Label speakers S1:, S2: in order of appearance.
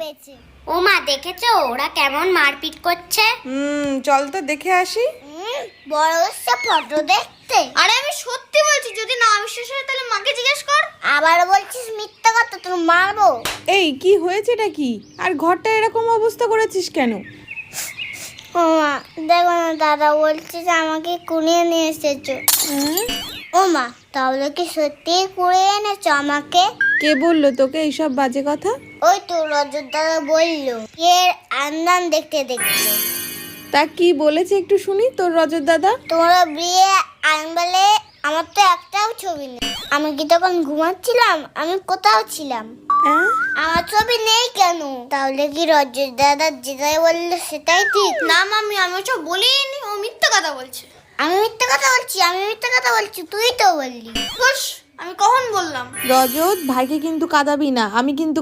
S1: পেয়েছে।
S2: ও মা, দেখেছো ওরা কেমন মারপিট করছে?
S3: চল তো দেখে আসি।
S1: বড় হচ্ছে ফটো দেখতে।
S4: আরে আমি সত্যি বলছি, যদি না বিশ্বাস হয় তাহলে মাকে জিজ্ঞেস কর।
S1: আবার বলছিস মিথ্যা কথা, তোর মারবো।
S3: এই কি হয়েছেটা কি? আর ঘরটা এরকম অবস্থা করেছিস কেন?
S1: ও মা দেখো না, দাদা বলছে যে আমাকে কুড়িয়ে নিয়ে এসেছো। ও মা, তাহলে কি সত্যি কুড়িয়ে এনেছো আমাকে?
S3: কে বললো তোকে এইসব বাজে কথা?
S1: ওই তো রজত দাদা বললো, এর আন্দান দেখতে দেখতে।
S3: তা কি বলেছে একটু শুনি তোর রজত দাদা।
S1: তোমরা বিয়ে আনবেলে আমার তো একটাও ছবি নেই। আমি কি তখন ঘুমাচ্ছিলাম? আমি কোথাও ছিলাম?
S3: হ্যাঁ?
S1: আমার ছবি নেই কেন? তাহলে কি রজত দাদা যেটাই বললো সেটাই ঠিক?
S4: না মামি, আমি ওসব বলিনি, ও মিথ্যা কথা বলছে।
S1: আমি মিথ্যা কথা বলছি, তুই তো বললি।
S4: বস, আমি কখন বললাম?
S3: রজত, ভাইকে কিন্তু কাঁদাবি না, আমি কিন্তু